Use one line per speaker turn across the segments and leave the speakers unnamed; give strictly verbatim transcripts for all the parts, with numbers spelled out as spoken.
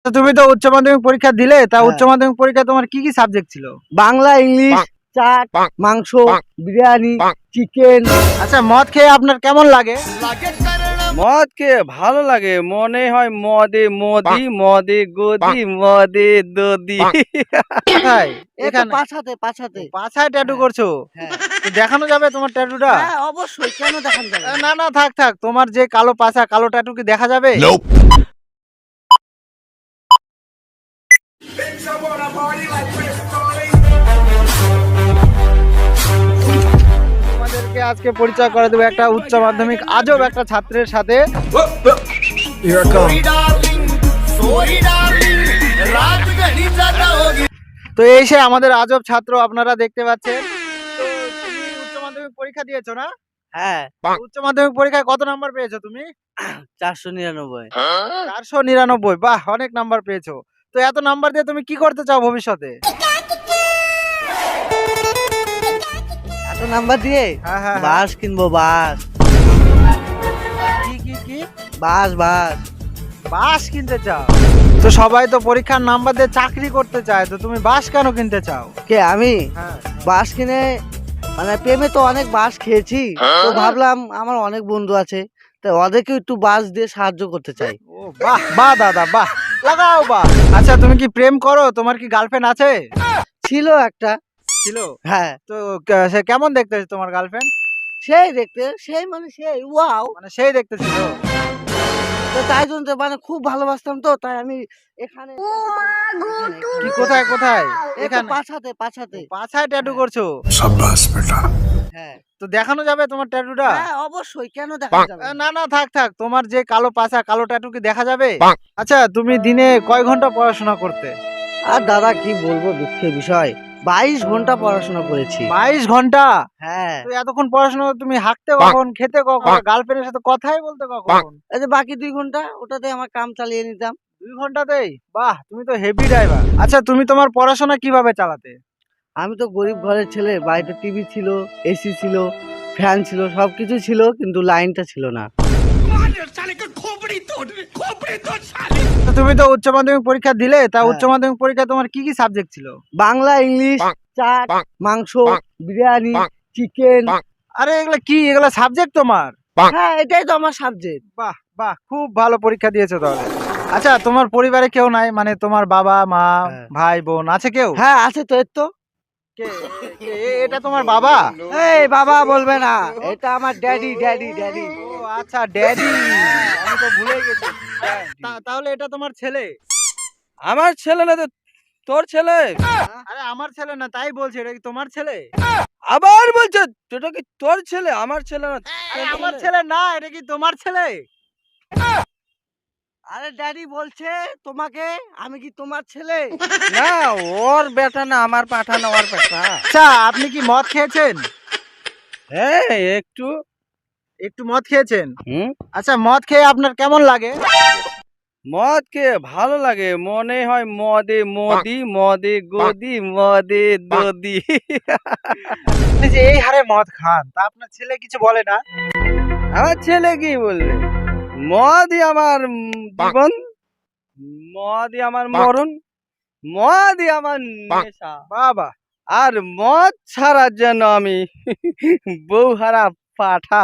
তো তুমি তো উচ্চ মাধ্যমিক পরীক্ষা দিলে, তা
হ্যাঁ।
উচ্চ মাধ্যমিক পরীক্ষায় তোমার কি কি সাবজেক্ট ছিল?
বাংলা, ইংলিশ, চাট, মাংস, বিরিয়ানি, চিকেন।
আচ্ছা, মদ খেয়ে আপনার কেমন লাগে?
মদ খেয়ে ভালো লাগে, মনে হয় মদে মদি মদে গদি মদে দদি।
কোথায়?
এই তো
এখানে
পাছাতে পাছাতে।
পাছায় ট্যাটু করছো?
হ্যাঁ
তো দেখানো যাবে তোমার ট্যাটুটা?
হ্যাঁ অবশ্যই, কেন দেখান যাবে
না না, থাক থাক, তোমার যে কালো পাছা, কালো ট্যাটু কি দেখা যাবে? তোমাদেরকে আজকে পরিচয় করে দেবো একটা উচ্চ মাধ্যমিক আজব একটা ছাত্রের সাথে। তো এই সে আমাদের আজব ছাত্র, আপনারা দেখতে পাচ্ছেন। তো তুমি উচ্চ মাধ্যমিক পরীক্ষা দিয়েছো না?
হ্যাঁ
উচ্চ মাধ্যমিক পরীক্ষায় কত নাম্বার পেয়েছো তুমি?
চারশো নিরানব্বই।
চারশো নিরানব্বই। বাহ, অনেক নাম্বার পেয়েছো। তো এত নাম্বার দিয়ে তুমি কি করতে চাও ভবিষ্যতে?
এত নাম্বার দিয়ে
হ্যাঁ হ্যাঁ হ্যাঁ।
বাস কিনবো, বাস
কি কি কি?
বাস বাস।
বাস কিনতে চাও? তো সবাই তো পরীক্ষার নাম্বার দিয়ে চাকরি করতে চায়, তো তুমি বাস কেন কিনতে চাও?
কে আমি
হ্যাঁ।
বাস কিনে, মানে প্রেমে তো অনেক বাস খেয়েছি, তো ভাবলাম আমার অনেক বন্ধু আছে, তো ওদেরকে একটু বাস দিয়ে সাহায্য করতে চাই।
ও বাহ বাহ দাদা, বাহ, লাগাও বাহ। আচ্ছা, তুমি কি প্রেম করো? তোমার কি গার্লফ্রেন্ড আছে?
ছিল একটা।
ছিল?
হ্যাঁ
তো কে- সে কেমন দেখতে তোমার গার্লফ্রেন্ড?
সেই দেখতে, সেই মানে সেই ওয়াও।
মানে সেই দেখতে ছিল?
তো তাই জন্য তো মানে খুব ভালোবাসতাম, তো তাই আমি এখানে
কি কোথায় কোথায়?
এই তো
এখানে
পাছাতে পাছাতে।
পাছায় ট্যাটু করছো?
হ্যাঁ
তো দেখানো যাবে তোমার ট্যাটুটা?
হ্যাঁ অবশ্যই, কেন দেখান যাবে
না না, থাক থাক, তোমার যে কালো পাছা, কালো ট্যাটু কি দেখা যাবে? আচ্ছা, তুমি দিনে কয় ঘন্টা পড়াশোনা করতে?
আর দাদা কি বলবো, দুঃখের বিষয়, বাইশ ঘন্টা পড়াশোনা করেছি।
বাইশ ঘন্টা?
হ্যাঁ
তো এতক্ষণ পড়াশোনা করে তুমি হাঁটতে কখন, খেতে কখন, গার্লফ্রেন্ডের সাথে কথাই বলতে কখন?
এই যে বাকি দুই ঘন্টা ওটাতে আমার কাম চালিয়ে নিতাম।
দুই ঘন্টাতেই? বাহ, তুমি তো হেভি ড্রাইভার। আচ্ছা, তুমি তোমার পড়াশোনা কিভাবে চালাতে?
আমি তো গরিব ঘরের ছেলে, বাড়িতে টিভি ছিল, এসি ছিল, ফ্যান ছিল, সবকিছু ছিল, কিন্তু লাইনটা ছিল না।
তো তুমি তো উচ্চ মাধ্যমিক পরীক্ষা দিলে, তা
হ্যাঁ।
উচ্চ মাধ্যমিক পরীক্ষায় তোমার কি কি সাবজেক্ট ছিল?
বাংলা, ইংলিশ, চাট, মাংস, বিরিয়ানি, চিকেন।
আরে এগুলা কি, এগুলা সাবজেক্ট তোমার?
হ্যাঁ এটাই তো আমার সাবজেক্ট।
বাহ বাহ, খুব ভালো পরীক্ষা দিয়েছো তাহলে। আচ্ছা, তোমার পরিবারে কেউ নাই, মানে তোমার বাবা মা
হ্যাঁ।
ভাই বোন আছে কেউ?
হ্যাঁ আছে তো, এর তো।
কে? কে- এ- এটা তোমার বাবা?
এই বাবা বলবে না, এটা আমার ড্যাডি ড্যাডি ড্যাডি।
ও আচ্ছা, ড্যাডি, আমি তো ভুলে গেছি। তা- তাহলে এটা তোমার ছেলে?
আমার ছেলে না তো তোর ছেলে?
আরে আমার ছেলে না, তাই বলছি, এটা কি তোমার ছেলে?
আবার বলছে এটা কি তোর ছেলে? আমার ছেলে না
আরে
তোর
আমার ছেলে না, এটা কি তোমার ছেলে?
আরে ড্যাডি বলছে তোমাকে, আমি কি তোমার ছেলে?
না, ওর বেটা না, আমার পাঠা না, ওর বেটা।
আচ্ছা, আপনি কি মদ খেয়েছেন?
হ্যাঁ একটু।
একটু মদ খেয়েছেন?
হুম,
আচ্ছা, মদ খেয়ে আপনার কেমন লাগে?
মদ খেয়ে ভালো লাগে, মনে হয় মদে মদি মদে গদি মদে দদি।
আপনি যে এই হারে মদ খান, তা আপনার ছেলে কিছু বলে না?
আমার ছেলে কি বললে, মদই আমার উম, জীবন, মদই আমার মরণ, মদই আমার নেশা।
বাবা,
আর মদ ছাড়ার জন্য আমি বউ হারা পাঠা।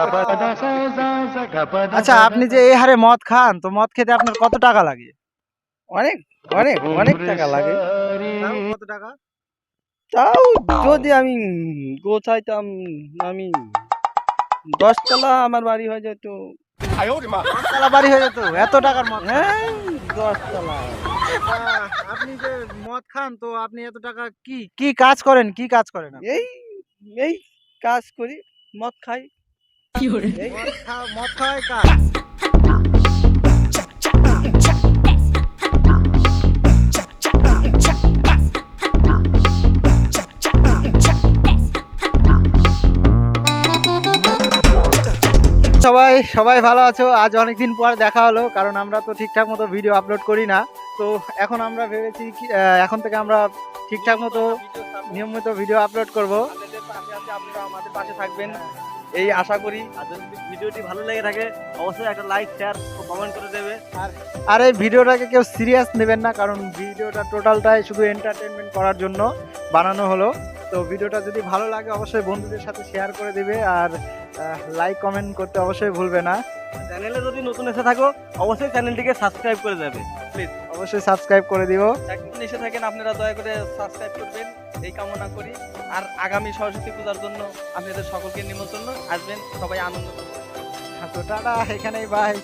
আচ্ছা, আপনি যে এই হারে মদ খান, তো মদ খেতে আপনার কত টাকা লাগে?
অনেক অনেক অনেক টাকা লাগে।
তাও কত টাকা?
তাও যদি আমি গোছাইতাম, আমি দশতলা আমার বাড়ি হয়ে যেত।
তালা বাড়ি হয়ে যেত এত টাকার মদ খান?
হ্যাঁ দশতলা।
আহ, আপনি যে মদ খান, তো আপনি এত টাকা কি কি কাজ করেন, কি কাজ করেন আপনি?
এই এই কাজ করি, মদ খাই। এই
মদ খা- মদ খাওয়াই কাজ? সবাই সবাই ভালো আছো? আজ অনেকদিন পর দেখা হলো, কারণ আমরা তো ঠিকঠাক মতো ভিডিও আপলোড করি না। তো এখন আমরা ভেবেছি কি, আহ, এখন থেকে আমরা ঠিকঠাক মতো নিয়মিত ভিডিও আপলোড করব।
আপনাদের পাশে আছি, আপনারা আমাদের পাশে থাকবেন। এই আশা করি। আর যদি ভিডিওটি ভালো লেগে থাকে অবশ্যই একটা লাইক শেয়ার ও কমেন্ট করে দেবে।
আর এই ভিডিওটাকে কেউ সিরিয়াস নেবেন না, কারণ ভিডিওটা টোটালটাই শুধু এন্টারটেনমেন্ট করার জন্য বানানো হলো। তো ভিডিওটা যদি ভালো লাগে অবশ্যই বন্ধুদের সাথে শেয়ার করে দিবে, আর লাইক কমেন্ট করতে অবশ্যই ভুলবে না।
চ্যানেলে যদি নতুন এসে থাকো অবশ্যই চ্যানেলটিকে সাবস্ক্রাইব করে দেবে প্লিজ।
অবশ্যই সাবস্ক্রাইব করে দিও।
একজন এসে থাকেন আপনারা দয়া করে সাবস্ক্রাইব করবেন এই কামনা করি। আর আগামী সরস্বতী পূজার জন্য আপনাদের সকলকে নিমন্ত্রণ, আসবেন সবাই আনন্দ করবেন।
তো টাটা, এখানেই বাই।